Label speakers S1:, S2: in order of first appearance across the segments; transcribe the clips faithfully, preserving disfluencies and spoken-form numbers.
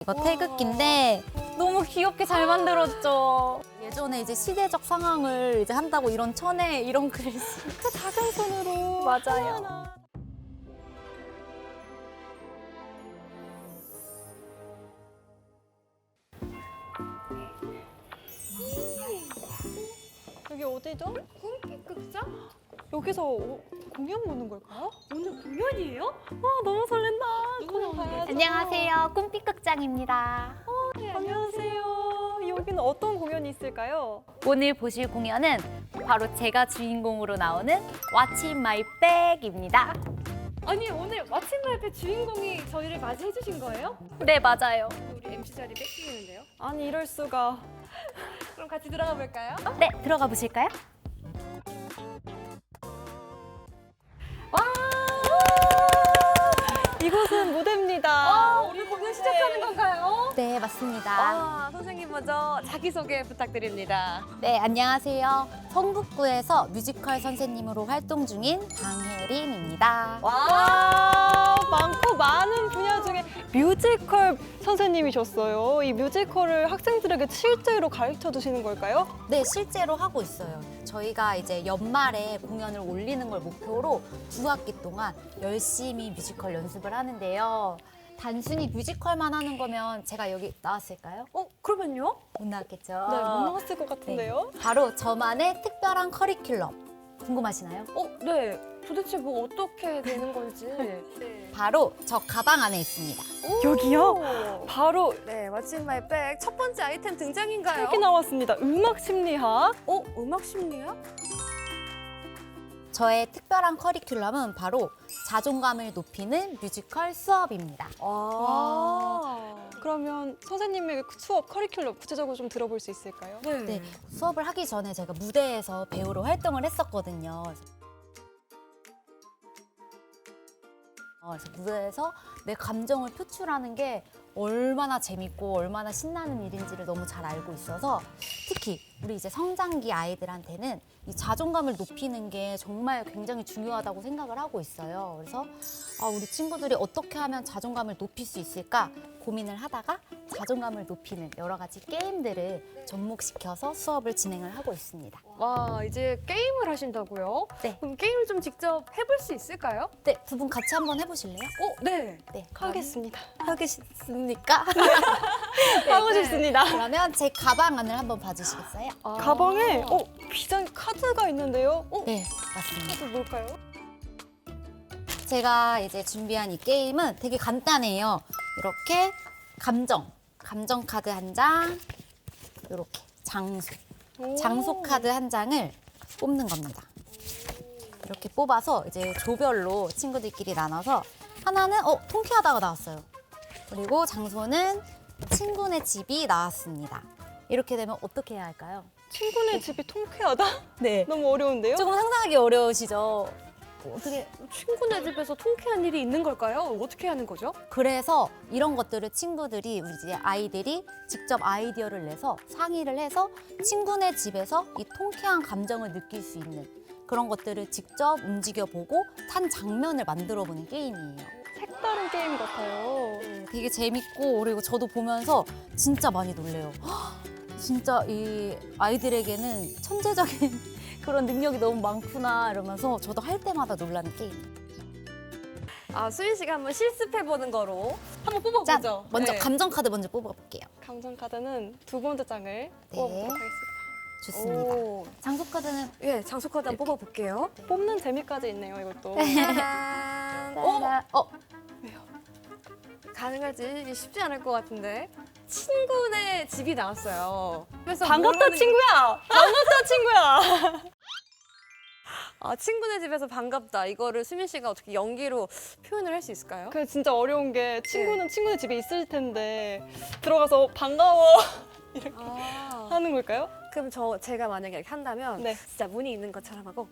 S1: 이거 태극기인데 너무 귀엽게 잘 만들었죠. 예전에 이제 시대적 상황을 이제 한다고 이런 천에 이런 글씨 그 작은 손으로 맞아요.
S2: 하나. 여기 어디죠?
S3: 꿈빛 극장?
S2: 여기서 오- 공연 보는 걸까요?
S3: 오늘 공연이에요?
S2: 아 너무 설렌다.
S3: 누구
S2: 공연
S3: 나오는데?
S2: 봐야죠.
S1: 안녕하세요. 꿈빛극장입니다.
S3: 네,
S2: 안녕하세요. 여기는 어떤 공연이 있을까요?
S1: 오늘 보실 공연은 바로 제가 주인공으로 나오는 What's in my bag입니다.
S3: 아니 오늘 마침 말배 주인공이 저희를 맞이해 주신 거예요?
S1: 네, 맞아요.
S3: 우리 엠씨 자리 뺏기겠는데요?
S2: 아니 이럴 수가.
S3: 그럼 같이 들어가 볼까요?
S1: 네, 들어가 보실까요?
S2: 이곳은 무대입니다.
S3: 아, 우리 공연 시작하는 건가요?
S1: 네, 맞습니다.
S3: 아, 선생님 먼저 자기소개 부탁드립니다.
S1: 네, 안녕하세요. 성북구에서 뮤지컬 선생님으로 활동 중인 강혜림입니다.
S2: 와 많고 많은 분야 중에 뮤지컬 선생님이셨어요. 이 뮤지컬을 학생들에게 실제로 가르쳐 주시는 걸까요?
S1: 네, 실제로 하고 있어요. 저희가 이제 연말에 공연을 올리는 걸 목표로 두 학기 동안 열심히 뮤지컬 연습을 하는데요. 단순히 뮤지컬만 하는 거면 제가 여기 나왔을까요?
S3: 어, 그러면요?
S1: 못 나왔겠죠?
S2: 네, 못 나왔을 것 같은데요.
S1: 바로 저만의 특별한 커리큘럼. 궁금하시나요?
S3: 어, 네. 도대체 뭐 어떻게 되는 건지. 네.
S1: 바로 저 가방 안에 있습니다.
S2: 여기요? 바로
S3: 네, 왓츠 마이 백 첫 번째 아이템 등장인가요?
S2: 책이 나왔습니다. 음악 심리학.
S3: 어, 음악 심리학?
S1: 저의 특별한 커리큘럼은 바로 자존감을 높이는 뮤지컬 수업입니다.
S3: 아.
S2: 그러면 선생님의 수업 커리큘럼 구체적으로 좀 들어볼 수 있을까요?
S3: 네.
S1: 네, 수업을 하기 전에 제가 무대에서 배우로 활동을 했었거든요. 어, 그래서 무대에서 내 감정을 표출하는 게 얼마나 재밌고 얼마나 신나는 일인지를 너무 잘 알고 있어서 특히 우리 이제 성장기 아이들한테는 이 자존감을 높이는 게 정말 굉장히 중요하다고 생각을 하고 있어요. 그래서 아, 우리 친구들이 어떻게 하면 자존감을 높일 수 있을까 고민을 하다가 자존감을 높이는 여러 가지 게임들을 접목시켜서 수업을 진행을 하고 있습니다.
S3: 와, 이제 게임을 하신다고요?
S1: 네.
S3: 그럼 게임을 좀 직접 해볼 수 있을까요?
S1: 네, 두 분 같이 한번 해보실래요?
S3: 어, 네.
S1: 네,
S2: 하겠습니다.
S1: 하겠습니까?
S2: 하고
S3: 네.
S2: 싶습니다.
S1: 그러면 제 가방 안을 한번 봐주시겠어요?
S3: 아.
S2: 가방에 어, 비장 카드가 있는데요. 어,
S1: 네, 맞습니다.
S2: 카드 뭘까요?
S1: 제가 이제 준비한 이 게임은 되게 간단해요. 이렇게 감정, 감정 카드 한 장, 이렇게 장소,
S2: 오.
S1: 장소 카드 한 장을 뽑는 겁니다. 이렇게 뽑아서 이제 조별로 친구들끼리 나눠서 하나는 어 통쾌하다가 나왔어요. 그리고 장소는 친구네 집이 나왔습니다. 이렇게 되면 어떻게 해야 할까요?
S2: 친구네 집이 통쾌하다?
S1: 네.
S2: 너무 어려운데요?
S1: 조금 상상하기 어려우시죠? 어떻게
S3: 친구네 집에서 통쾌한 일이 있는 걸까요? 어떻게 하는 거죠?
S1: 그래서 이런 것들을 친구들이 우리 이제 아이들이 직접 아이디어를 내서 상의를 해서 친구네 집에서 이 통쾌한 감정을 느낄 수 있는 그런 것들을 직접 움직여보고 한 장면을 만들어보는 게임이에요.
S2: 색다른 게임 같아요.
S1: 되게 재밌고 그리고 저도 보면서 진짜 많이 놀래요. 헉, 진짜 이 아이들에게는 천재적인 그런 능력이 너무 많구나 이러면서 저도 할 때마다 놀라는 게임.
S3: 아, 수민 씨가 한번 실습해 보는 거로 한번 뽑아보죠.
S1: 짠! 먼저
S3: 네.
S1: 감정 카드 먼저 뽑아볼게요.
S2: 감정 카드는 두 번째 장을 뽑아보도록 하겠습니다.
S1: 좋습니다.
S3: 오.
S1: 장소 카드는
S3: 예, 장소 카드 한번 뽑아볼게요.
S2: 뽑는 재미까지 있네요, 이것도.
S3: 짜란. 어?
S1: 따라- 어,
S3: 가능할지 이게 쉽지 않을 것 같은데. 친구네 집이 나왔어요. 그래서
S2: 반갑다,
S3: 모르는-
S2: 친구야! 반갑다, 친구야!
S3: 아, 친구네 집에서 반갑다. 이거를 수민 씨가 어떻게 연기로 표현을 할 수 있을까요?
S2: 그게 진짜 어려운 게 친구는 친구네 집에 있을 텐데 들어가서 반가워 이렇게
S3: 아.
S2: 하는 걸까요?
S3: 그럼 저 제가 만약에 이렇게 한다면
S2: 네.
S3: 진짜 문이 있는 것처럼 하고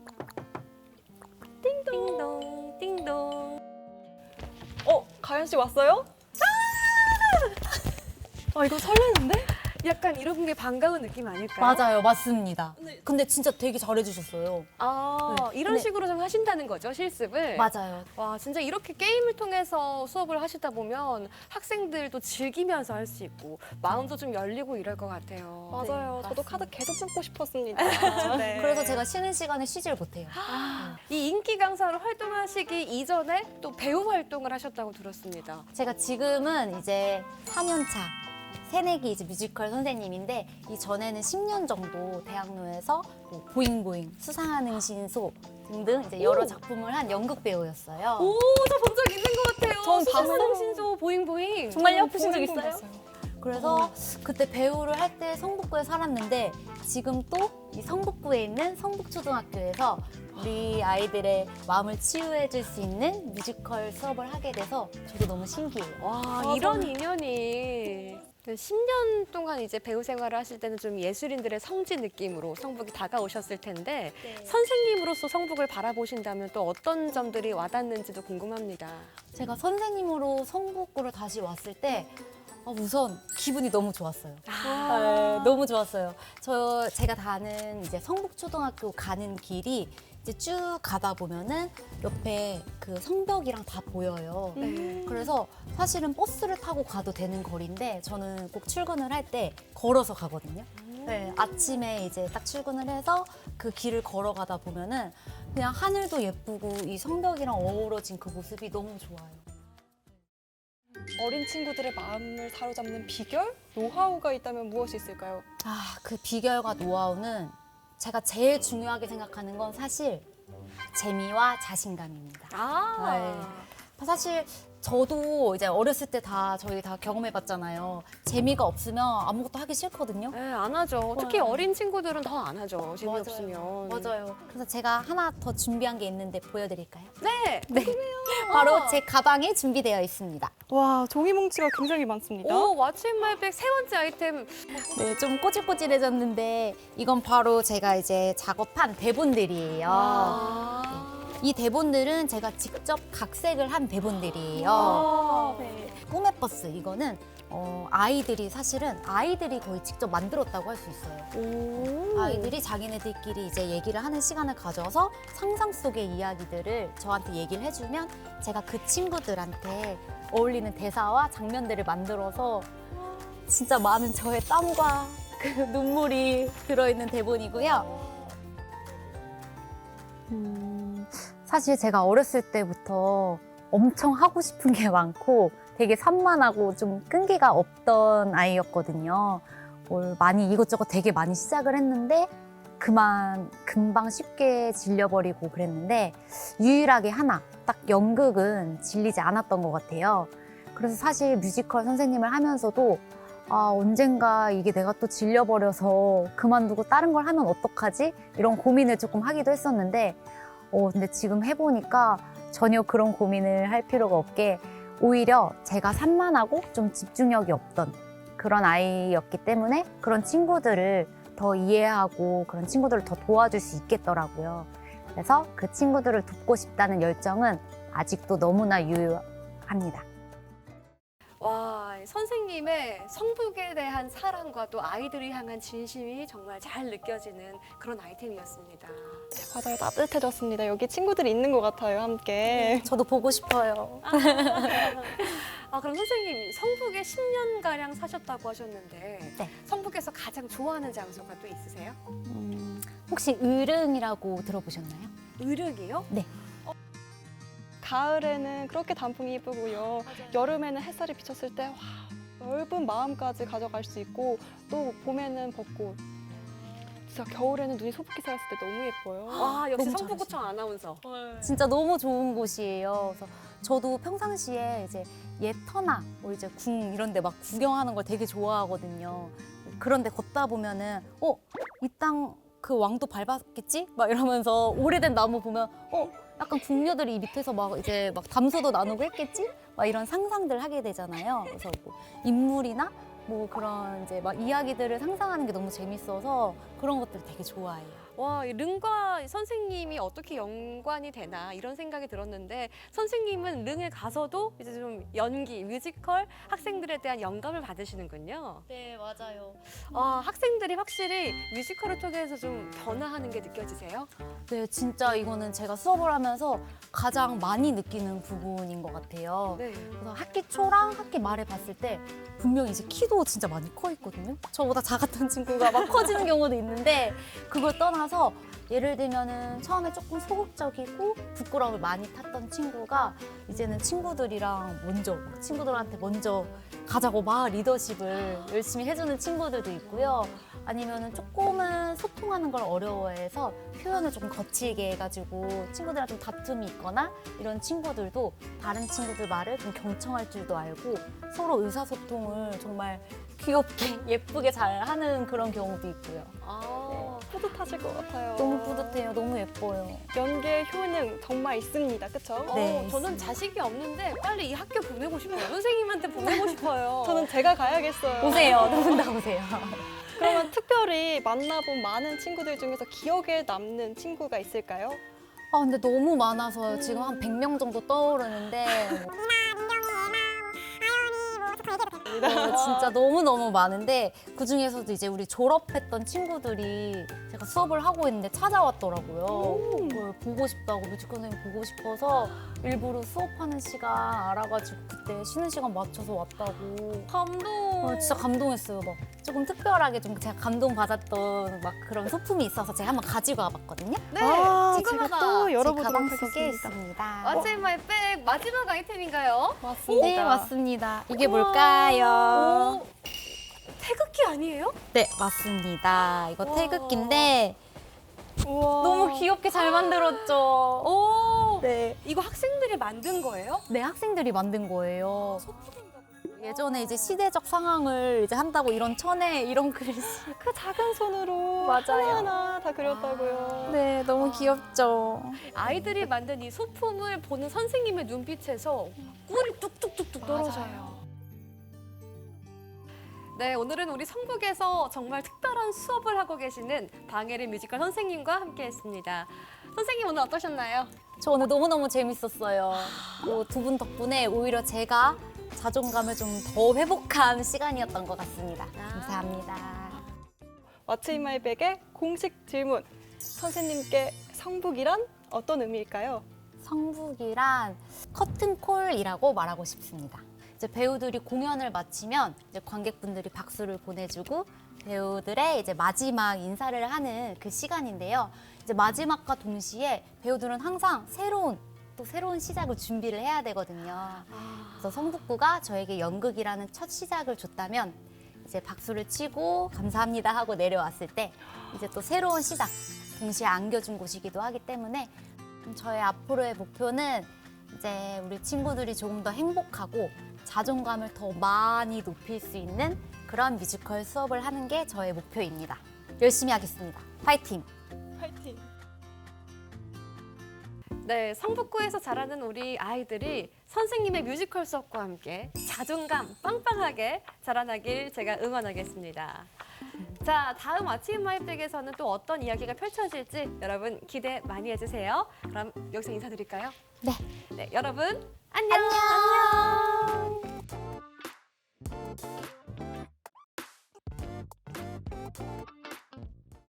S3: 띵동 띵동.
S2: 어, 가연 씨 왔어요? 아, 이거 설레는데?
S3: 약간 이런 게 반가운 느낌 아닐까요?
S1: 맞아요, 맞습니다. 근데 진짜 되게 잘해주셨어요.
S3: 아,
S1: 네.
S3: 이런
S1: 근데-
S3: 식으로 좀 하신다는 거죠, 실습을?
S1: 맞아요.
S3: 와, 진짜 이렇게 게임을 통해서 수업을 하시다 보면 학생들도 즐기면서 할 수 있고 마음도 좀 열리고 이럴 것 같아요.
S2: 맞아요.
S1: 네,
S2: 저도
S1: 맞습니다.
S2: 카드 계속 끊고 싶었습니다. 네.
S1: 그래서 제가 쉬는 시간에 쉬질 못해요.
S3: 이 인기 강사로 활동하시기 이전에 또 배우 활동을 하셨다고 들었습니다.
S1: 제가 지금은 이제 사 년 차 새내기 이제 뮤지컬 선생님인데 이 전에는 십 년 정도 대학로에서 뭐 보잉보잉, 수상하는 신소 등등 이제 여러 작품을 한 연극 배우였어요.
S3: 오, 저 본 적 있는 것 같아요.
S2: 전
S3: 수상하는
S2: 봤어요.
S3: 신소 보잉보잉.
S1: 정말요? 보신 적
S2: 보잉보잉
S1: 있어요?
S2: 봤어요.
S1: 그래서 그때 배우를 할 때 성북구에 살았는데 지금 또 이 성북구에 있는 성북초등학교에서 우리 아이들의 마음을 치유해 줄 수 있는 뮤지컬 수업을 하게 돼서 저도 너무 신기해요.
S3: 와,
S2: 맞아.
S3: 이런 인연이. 십 년 동안 이제 배우 생활을 하실 때는 좀 예술인들의 성지 느낌으로 성북이 다가오셨을 텐데 선생님으로서 성북을 바라보신다면 또 어떤 점들이 와닿는지도 궁금합니다.
S1: 제가 선생님으로 성북구를 다시 왔을 때 아, 우선 기분이 너무 좋았어요. 네, 너무 좋았어요. 저 제가 다는 이제 성북초등학교 가는 길이 이제 쭉 가다 보면은 옆에 그 성벽이랑 다 보여요.
S3: 네.
S1: 그래서 사실은 버스를 타고 가도 되는 거리인데 저는 꼭 출근을 할 때 걸어서 가거든요. 네, 아침에 이제 딱 출근을 해서 그 길을 걸어가다 보면은 그냥 하늘도 예쁘고 이 성벽이랑 어우러진 그 모습이 너무 좋아요.
S2: 어린 친구들의 마음을 사로잡는 비결? 노하우가 있다면 무엇이 있을까요?
S1: 아, 그 비결과 노하우는 제가 제일 중요하게 생각하는 건 사실 재미와 자신감입니다.
S3: 아,
S1: 사실 저도 이제 어렸을 때 다 저희 다 경험해봤잖아요. 재미가 없으면 아무것도 하기 싫거든요.
S3: 네, 안 하죠. 특히
S1: 맞아요.
S3: 어린 친구들은 더 안 하죠. 재미없으면.
S1: 맞아요. 맞아요. 그래서 제가 하나 더 준비한 게 있는데 보여드릴까요?
S3: 네.
S1: 네. 바로 제 가방에 준비되어 있습니다.
S2: 와, 종이 뭉치가 굉장히 많습니다.
S3: 오, 왓츠인마이백 세 번째 아이템.
S1: 네, 좀 꼬질꼬질해졌는데 이건 바로 제가 이제 작업한 대본들이에요.
S3: 아.
S1: 이 대본들은 제가 직접 각색을 한 대본들이에요.
S3: 아.
S1: 네. 꿈의 버스 이거는 어, 아이들이 사실은 아이들이 거의 직접 만들었다고 할 수 있어요.
S3: 오.
S1: 아이들이 자기네들끼리 이제 얘기를 하는 시간을 가져서 상상 속의 이야기들을 저한테 얘기를 해주면 제가 그 친구들한테 어울리는 대사와 장면들을 만들어서 진짜 많은 저의 땀과 그 눈물이 들어있는 대본이고요. 음, 사실 제가 어렸을 때부터 엄청 하고 싶은 게 많고 되게 산만하고 좀 끈기가 없던 아이였거든요. 뭘 많이 이것저것 되게 많이 시작을 했는데 그만 금방 쉽게 질려버리고 그랬는데 유일하게 하나 딱 연극은 질리지 않았던 것 같아요. 그래서 사실 뮤지컬 선생님을 하면서도 아, 언젠가 이게 내가 또 질려버려서 그만두고 다른 걸 하면 어떡하지? 이런 고민을 조금 하기도 했었는데 어, 근데 지금 해보니까 전혀 그런 고민을 할 필요가 없게 오히려 제가 산만하고 좀 집중력이 없던 그런 아이였기 때문에 그런 친구들을 더 이해하고 그런 친구들을 더 도와줄 수 있겠더라고요. 그래서 그 친구들을 돕고 싶다는 열정은 아직도 너무나 유효합니다.
S3: 와, 선생님의 성북에 대한 사랑과 또 아이들을 향한 진심이 정말 잘 느껴지는 그런 아이템이었습니다.
S2: 맞아요, 따뜻해졌습니다. 여기 친구들이 있는 것 같아요, 함께.
S1: 저도 보고 싶어요.
S3: 아, 그럼 선생님, 성북에 십 년가량 사셨다고 하셨는데
S1: 네.
S3: 성북에서 가장 좋아하는 장소가 또 있으세요?
S1: 음, 혹시 을응이라고 들어보셨나요?
S3: 의륵이요?
S1: 네.
S2: 가을에는 그렇게 단풍이 예쁘고요. 여름에는 햇살이 비쳤을 때 와, 넓은 마음까지 가져갈 수 있고 또 봄에는 벚꽃. 진짜 겨울에는 눈이 소복히 쌓였을 때 너무 예뻐요.
S3: 와, 역시
S1: 너무
S3: 성북구청 아나운서.
S1: 진짜 너무 좋은 곳이에요. 그래서 저도 평상시에 이제 예터나 뭐 이제 궁 이런 데 막 구경하는 걸 되게 좋아하거든요. 그런데 걷다 보면은 어, 이 땅 그 왕도 밟았겠지? 막 이러면서 오래된 나무 보면 어, 약간 궁녀들이 이 밑에서 막 이제 막 담소도 나누고 했겠지? 막 이런 상상들 하게 되잖아요. 그래서 뭐 인물이나 뭐 그런 이제 막 이야기들을 상상하는 게 너무 재밌어서 그런 것들 되게 좋아해요.
S3: 와, 이 릉과 선생님이 어떻게 연관이 되나 이런 생각이 들었는데 선생님은 릉에 가서도 이제 좀 연기, 뮤지컬 학생들에 대한 영감을 받으시는군요.
S1: 네, 맞아요.
S3: 아, 학생들이 확실히 뮤지컬을 통해서 좀 변화하는 게 느껴지세요?
S1: 네, 진짜 이거는 제가 수업을 하면서 가장 많이 느끼는 부분인 것 같아요.
S3: 네.
S1: 그래서 학기 초랑 학기 말에 봤을 때 분명히 이제 키도 진짜 많이 커 있거든요. 저보다 작았던 친구가 막 커지는 경우도 있는데 그걸 떠나서 예를 들면은 처음에 조금 소극적이고 부끄러움을 많이 탔던 친구가 이제는 친구들이랑 먼저 친구들한테 먼저 가자고 막 리더십을 열심히 해주는 친구들도 있고요. 아니면은 조금은 소통하는 걸 어려워해서 표현을 조금 거칠게 해가지고 친구들이랑 좀 다툼이 있거나 이런 친구들도 다른 친구들 말을 좀 경청할 줄도 알고 서로 의사소통을 정말 귀엽게 예쁘게 잘 하는 그런 경우도 있고요.
S3: 아,
S2: 뿌듯하실 것 같아요.
S1: 너무 뿌듯해요. 너무 예뻐요.
S2: 연기의 효능 정말 있습니다. 그쵸?
S3: 어,
S1: 네,
S3: 저는
S1: 있습니다.
S3: 자식이 없는데 빨리 이 학교 보내고 싶어요. 선생님한테 보내고 싶어요.
S2: 저는 제가 가야겠어요.
S1: 오세요. 두 분 다 오세요.
S2: 그러면 특별히 만나본 많은 친구들 중에서 기억에 남는 친구가 있을까요?
S1: 아, 근데 너무 많아서 지금 한 백 명 정도 떠오르는데 어, 진짜 너무너무 많은데 그중에서도 이제 우리 졸업했던 친구들이 제가 수업을 하고 있는데 찾아왔더라고요. 그걸 보고 싶다고 뮤지컬 선생님 보고 싶어서 일부러 수업하는 시간 알아가지고 그때 쉬는 시간 맞춰서 왔다고.
S3: 감동.
S1: 어, 진짜 감동했어요. 막 조금 특별하게 좀 제가 감동받았던 막 그런 소품이 있어서 제가 한번 가지고 와봤거든요.
S3: 네,
S2: 아,
S3: 궁금하다.
S2: 제가 또
S1: 제
S2: 열어보도록
S1: 가방 속에
S2: 하겠습니다.
S1: 있습니다.
S3: 왓츠 마이 백 마지막 아이템인가요?
S2: 맞습니다.
S1: 네, 맞습니다. 이게 뭘까요?
S3: 오, 태극기 아니에요?
S1: 네, 맞습니다. 이거
S3: 와.
S1: 태극기인데
S2: 우와.
S1: 너무 귀엽게 잘 만들었죠.
S3: 오,
S1: 네.
S3: 이거 학생들이 만든 거예요?
S1: 네, 학생들이 만든 거예요. 예전에 이제 시대적 상황을 이제 한다고 이런 천에 이런 글씨.
S2: 그 작은 손으로
S1: 맞아요.
S2: 하나하나 다 그렸다고요.
S1: 네, 너무 귀엽죠.
S3: 아이들이 만든 이 소품을 보는 선생님의 눈빛에서 꿀이 뚝뚝뚝뚝 떨어져요. 네, 오늘은 우리 성북에서 정말 특별한 수업을 하고 계시는 방혜린 뮤지컬 선생님과 함께했습니다. 선생님 오늘 어떠셨나요?
S1: 저 오늘 너무너무 재밌었어요. 두 분 덕분에 오히려 제가 자존감을 좀 더 회복한 시간이었던 것 같습니다. 감사합니다.
S2: 왓츠 인 마이 백의 공식 질문. 선생님께 성북이란 어떤 의미일까요?
S1: 성북이란 커튼콜이라고 말하고 싶습니다. 이제 배우들이 공연을 마치면 이제 관객분들이 박수를 보내주고 배우들의 이제 마지막 인사를 하는 그 시간인데요. 이제 마지막과 동시에 배우들은 항상 새로운 또 새로운 시작을 준비를 해야 되거든요. 그래서 성북구가 저에게 연극이라는 첫 시작을 줬다면 이제 박수를 치고 감사합니다 하고 내려왔을 때 이제 또 새로운 시작 동시에 안겨준 곳이기도 하기 때문에 저의 앞으로의 목표는 이제 우리 친구들이 조금 더 행복하고 자존감을 더 많이 높일 수 있는 그런 뮤지컬 수업을 하는 게 저의 목표입니다. 열심히 하겠습니다. 파이팅!
S2: 파이팅!
S3: 네, 성북구에서 자라는 우리 아이들이 선생님의 뮤지컬 수업과 함께 자존감 빵빵하게 자라나길 제가 응원하겠습니다. 자, 다음 왓츠 인 마이 백에서는 또 어떤 이야기가 펼쳐질지 여러분 기대 많이 해주세요. 그럼 여기서 인사드릴까요?
S1: 네.
S3: 네, 여러분 안녕.
S1: 안녕.